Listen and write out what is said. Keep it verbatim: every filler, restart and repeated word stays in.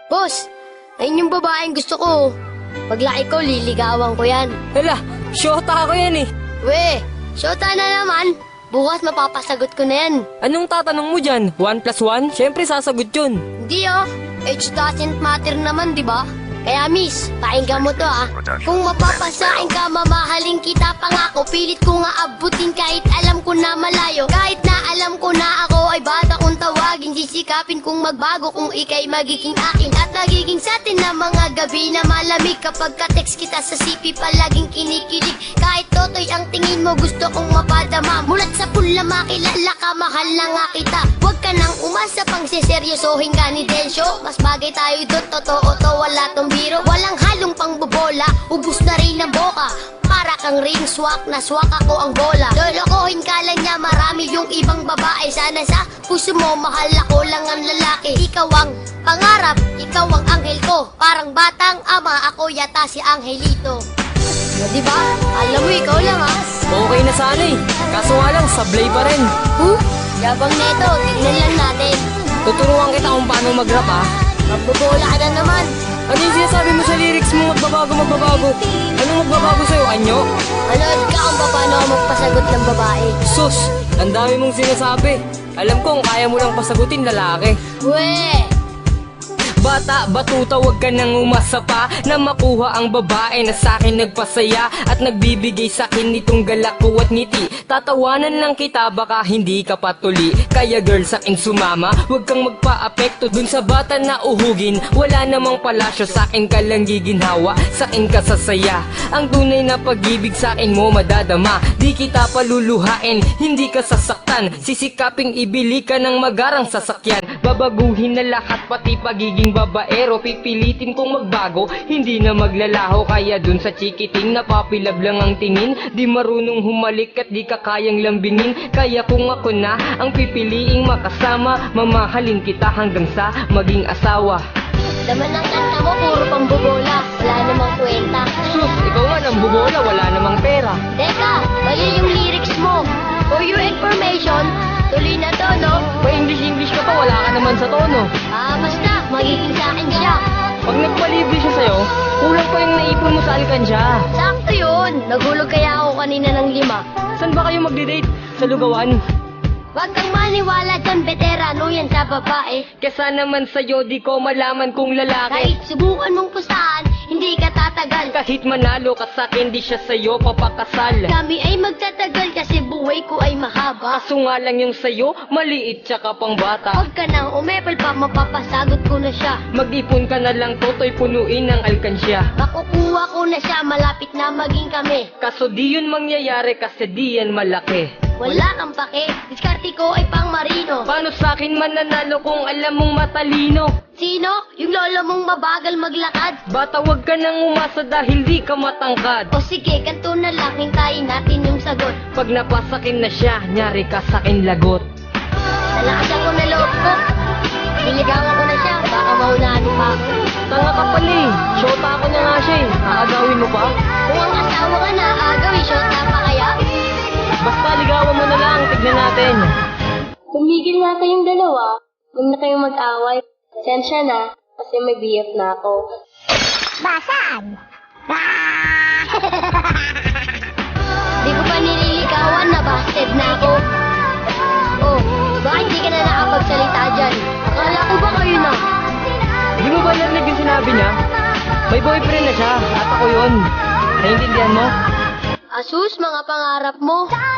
Boss, ayun yung babaeng gusto ko. Paglaki ko, liligawan ko yan. Hala, syota ako yan eh. We, syota na naman. Bukas mapapasagot ko na yan. Anong tatanong mo dyan? One plus one? Siyempre sasagot yun. Hindi oh, age doesn't matter naman, di ba? Kaya miss, pakinggan mo to ah. Kung mapapasain ka, mamahalin kita pangako. Pilit ko nga abutin kahit alam ko na malayo. Kahit na alam ko na ako ay bata kong tawagin. Sisikapin kung magbago kung ikay magiging akin. At nagiging sa atin na mga gabi na malamig. Kapag ka-text kita sa C P palaging kinikilig. Kahit totoy ang tingin mo gusto kong mapadama. Mulat sa pula makilala ka, mahal na nga kita. Huwag ka nang umasa pang siseryosohin ka ni Densyo. Mas bagay tayo doon, totoo to, wala tong biro. Walang halong pangbobola, ubus na rin ang boka. Para kang ring swak, na swak ako ang bola. Lolokohin ka lang niya, marami yung ibang babae. Sana sa puso mo, mahal ako lang ang lalaki. Ikaw ang pangarap, ikaw ang anghel ko. Parang batang ama, ako yata si Angelito. O diba? Alam mo, ikaw lang ha. Okay na sana eh. Kaso nga lang, sablay pa rin. Huh? Yabang neto, tignan lang natin. Tuturuan kita kung paano mag-rap ah. Magbobola ka na naman. Ano yung sinasabi mo sa lyrics mo? Magbabago, magbabago. Anong magbabago sa'yo? Anyo? Manood ka kung paano ako magpasagot ng babae. Sus, ang dami mong sinasabi. Alam kong kaya mo lang pasagutin lalaki. Weh! Bata, batuta, wag ka nang umasa pa na makuha ang babae na sa'kin nagpasaya at nagbibigay sa'kin nitong galak ko at ngiti. Tatawanan lang kita, baka hindi ka patuli. Kaya girl, sa'kin sumama, wag kang magpa-apekto dun sa bata na uhugin. Wala namang palasyo, sa'kin ka lang giginhawa, sa'kin ka sasaya. Ang tunay na pag-ibig sa'kin mo madadama. Di kita paluluhain, hindi ka sasaktan. Sisikaping ibili ka ng magarang sasakyan. Babaguhin na lahat, pati pagiging babaero. Pipilitin kong magbago, hindi na maglalaho. Kaya dun sa chikiting napapilab lang ang tingin. Di marunong humalik at di ka kayang lambingin. Kaya kung ako na ang pipiliing makasama, mamahalin kita hanggang sa maging asawa. Laman ng kanta mo, puro pambobola. Wala namang kwenta. Sus, ikaw nga nang bubola, wala namang pera. Teka, mali yung lyrics mo. For your information, tuloy na to, no? Pa-English-English ka pa, wala ka naman sa tono. Ah, basta, magiging sa akin siya. Pag nagpalibre siya sa'yo, kulang pa yung naipon mo sa alkansya. Sakto yun. Nagulog kaya ako kanina ng lima. Saan ba kayo magdi-date? Sa lugawan? Huwag kang maniwala dyan, veterano yan sa babae. Kesa naman sa'yo, di ko malaman kung lalaki. Kahit subukan mong pustahan, hindi ka tatagal. Kahit manalo ka sa'kin, di siya sa'yo papakasal. Kami ay magtatagal kasi buhay ko ay mahaba. Kaso nga lang yung sa'yo, maliit tsaka pang bata. Huwag ka nang umepal pa, mapapasagot ko na siya. Mag-ipon ka na lang, toto'y punuin ng alkansya. Makukuha ko na siya, malapit na maging kami. Kaso di yun mangyayari kasi di yan malaki. Wala kang pake, diskarte ko ay pang marino. Paano sa'kin mananalo kung alam mong matalino? Sino? Yung lolo mong mabagal maglakad? Bata, wag ka nang umasa dahil di ka matangkad. O sige, kanto na lang, hintayin natin yung sagot. Pag napasakin na siya, nyari ka sa'kin lagot. Nalakasan ko na loob ko. Niligawan ko na siya, baka maunahan pa ako. Tanga ka pala eh. Shota ako na nga siya eh. Aagawin mo pa? Kung ang asawa ka na, agawin shot na pa kaya? Basta ligawan mo na lang, tignan natin. Tumigil na kayong dalawa. Huwag na kayong mag-away. Pasensya na, kasi may B F na ako. Basag! Di ko pa nililigawan na busted na ako. Oh, bakit di ka na nakapagsalita dyan? Akala ko ba kayo na? Di mo ba narinig yung sinabi niya? May boyfriend na siya, at ako yun. Naiintindihan mo? Asus, mga pangarap mo.